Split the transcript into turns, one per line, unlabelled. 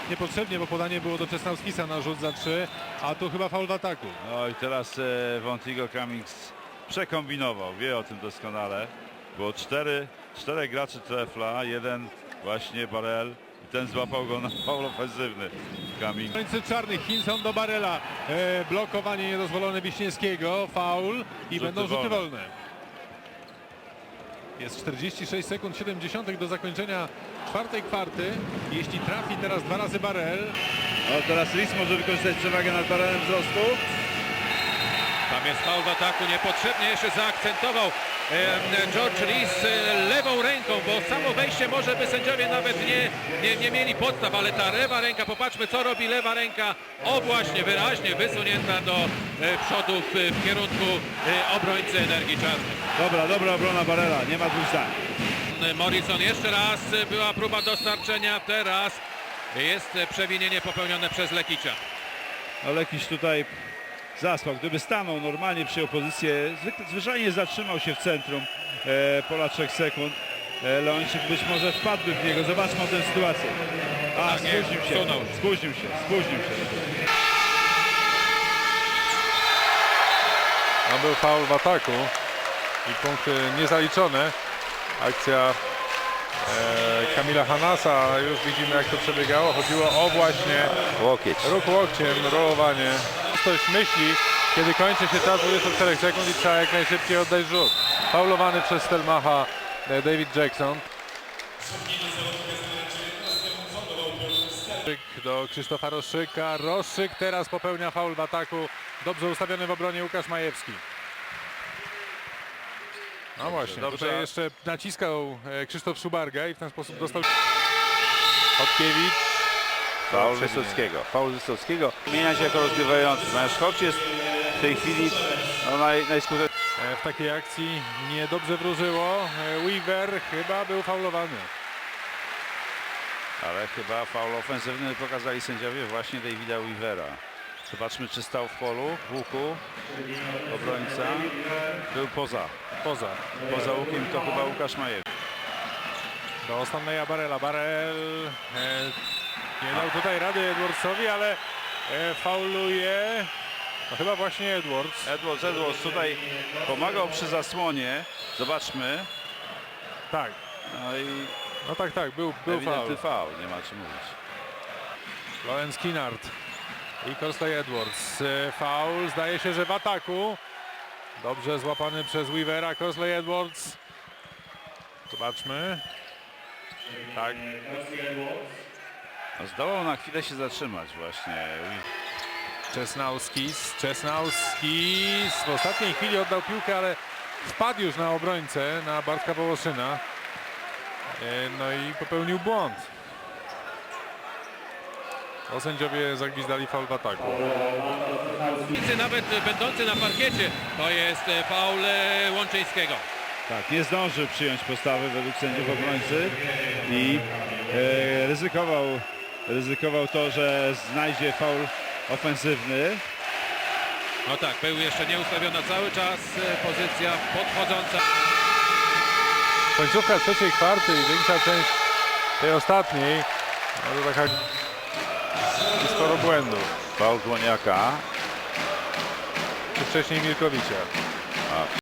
niepotrzebnie, bo podanie było do Czesnauskisa na rzut za 3, a tu chyba faul w ataku.
No i teraz Wontigo Cummings przekombinował, wie o tym doskonale. Było czterech graczy trefla, jeden właśnie Barel i ten złapał go na faul ofensywny. Cummings.
Końcy czarnych, Hinson do Barela, blokowanie niedozwolone Wiśniewskiego, faul i będą rzuty wolne. Jest 46 sekund 70 do zakończenia czwartej kwarty. Jeśli trafi teraz 2 razy Barel.
No teraz Lis może wykorzystać przewagę nad Barelem wzrostu.
Tam jest faul w ataku, niepotrzebnie jeszcze zaakcentował George Rees lewą ręką, bo samo wejście może by sędziowie nawet nie mieli podstaw, ale ta lewa ręka, popatrzmy co robi lewa ręka, o właśnie wyraźnie wysunięta do przodu w kierunku obrońcy Energii Czarnej.
Dobra obrona Barela, nie ma dwóch zdań.
Morrison jeszcze raz, była próba dostarczenia, teraz jest przewinienie popełnione przez Lekicza.
No Lekiś tutaj zaspał, gdyby stanął normalnie, przyjął pozycję, zwyczajnie zatrzymał się w centrum pola 3 sekund. Leończyk być może wpadłby w niego, zobaczmy tę sytuację.
Tak,
spóźnił się.
No był faul w ataku i punkty niezaliczone. Akcja Kamila Hanasa, już widzimy jak to przebiegało. Chodziło o właśnie
Łokieć.
ruch łokciem, rolowanie. Ktoś myśli, kiedy kończy się czas 24 sekund i trzeba jak najszybciej oddać rzut. Faulowany przez Stelmacha David Jackson. Do Krzysztofa Roszyka. Roszyk teraz popełnia faul w ataku. Dobrze ustawiony w obronie Łukasz Majewski. No właśnie,
dobrze.
tutaj jeszcze naciskał Krzysztof Szubarga i w ten sposób dostał Chodkiewicz.
Faul Wysockiego. Zmienia się jako rozgrywający. Natomiast Hodge jest w tej chwili najskuteczniejszy.
W takiej akcji niedobrze wróżyło. Weaver chyba był faulowany.
Ale chyba faul ofensywny pokazali sędziowie właśnie Davida Weavera. Zobaczmy, czy stał w polu, w łuku. Obrońca był poza łukiem, to chyba Łukasz Majewski.
Do Stanleya Barela. Barel nie dał tutaj rady Edwardsowi, ale fauluje. No chyba właśnie Edwards.
Edwards tutaj pomagał przy zasłonie. Zobaczmy.
Tak.
No i
No tak, był
ewidentny
faul.
faul, nie ma czym mówić.
Lawrence Kinnard i Corsley Edwards. Faul, zdaje się, że w ataku. Dobrze złapany przez Weavera. Corsley Edwards. Zobaczmy. Tak.
No, zdołał na chwilę się zatrzymać właśnie.
Czesnauskis w ostatniej chwili oddał piłkę, ale wpadł już na obrońcę, na Bartka Wołoszyna. No i popełnił błąd. O, sędziowie zagwizdali faul w ataku.
Nawet będący na parkiecie, to jest faul Łączyńskiego.
Tak, nie zdążył przyjąć postawy według sędziów obrońcy i ryzykował to, że znajdzie faul ofensywny.
No tak, był jeszcze nieustawiona cały czas pozycja podchodząca.
Końcówka trzeciej kwarty i większa część tej ostatniej. No to taka sporo błędów.
Faul Dłoniaka.
Czy wcześniej Mirkowicza.